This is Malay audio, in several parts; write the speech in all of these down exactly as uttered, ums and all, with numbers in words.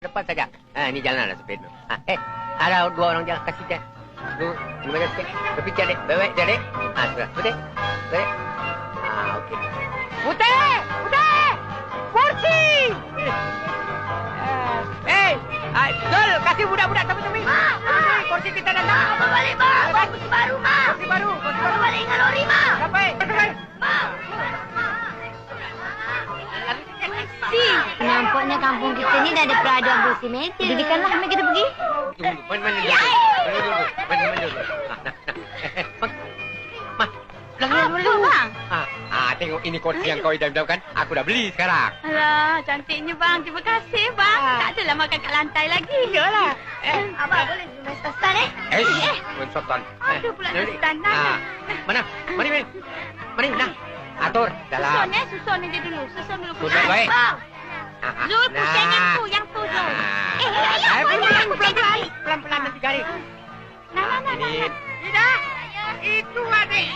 depan saja. Ha, ini jalanlah sepeda. Ha, eh, ada dua orang jalan kasih jalan. Dua, ini macam sikit. Berpikir dek, baik dek. Ha, sudah. Putih. Putih. Ha, okey. Putih! Putih! Kursi! Eh, hey, Zul, kasih budak-budak tepi-tepi. Ma, ma. Kursi kita datang. Ma, apa balik, ma? Kursi baru, ma. Kursi baru, kursi Apa baru. balik dengan lori, ma? Sampai. Sampai. Ma. Si, nampaknya kampung kita ni dah ada peraduan bersih meter. Dirikanlah, kami kita pergi. Tunggu, mana mana dulu. Mana dulu. Mana mana dulu. Ha, nah, nah. Eh, Bang. Ma. Belakang Apa, dulu. bang? Ha, ha, tengok ini kursi yang kau idam-idamkan. Aku dah beli sekarang. Alah, cantiknya bang. Terima kasih bang. Ah. Tak adalah makan kat lantai lagi. Iyalah. Eh, Abang boleh main stan eh? eh, Wan Sultan. Ada pula Jadi, Sultan. ah, mana? Mari, mari. Mari, nah. Atur dalam. Susun eh, susun aja dulu. Susun dulu. Susun baik. Bang. Ah, ah, Zul, pusing yang tu, yang tu Zul. Eh, ayah, Eh, boleh pelan, pusing pelan-pelan. lagi. Pelan-pelan nanti garing. Nah, nah, nah, nah. Ini. Tidak. Itu adik.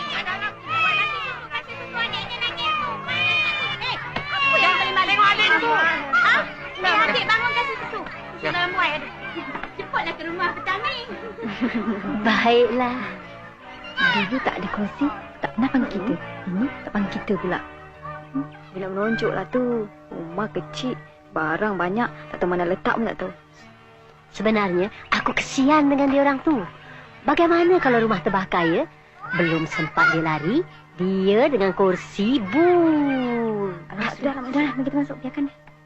Apa yang paling maling? Tengok adik tu. Ha? Eh, adik bangun kasih susu. Susu dalam buai ada. Cepatlah ke rumah petani. Baiklah. Dulu tak ada kursi, tak pernah panggil kita. Ini tak panggil kita pula. Hmm, dia nak menonjoklah tu. Rumah kecil, barang banyak, tak tahu mana letak pun tak tahu. Sebenarnya, aku kesian dengan dia orang tu. Bagaimana kalau rumah terbakar, ya? Belum sempat dia lari, dia dengan kursi bur. Alah, sudah lah, sudah lah. Mari kita masuk, biarkan dia.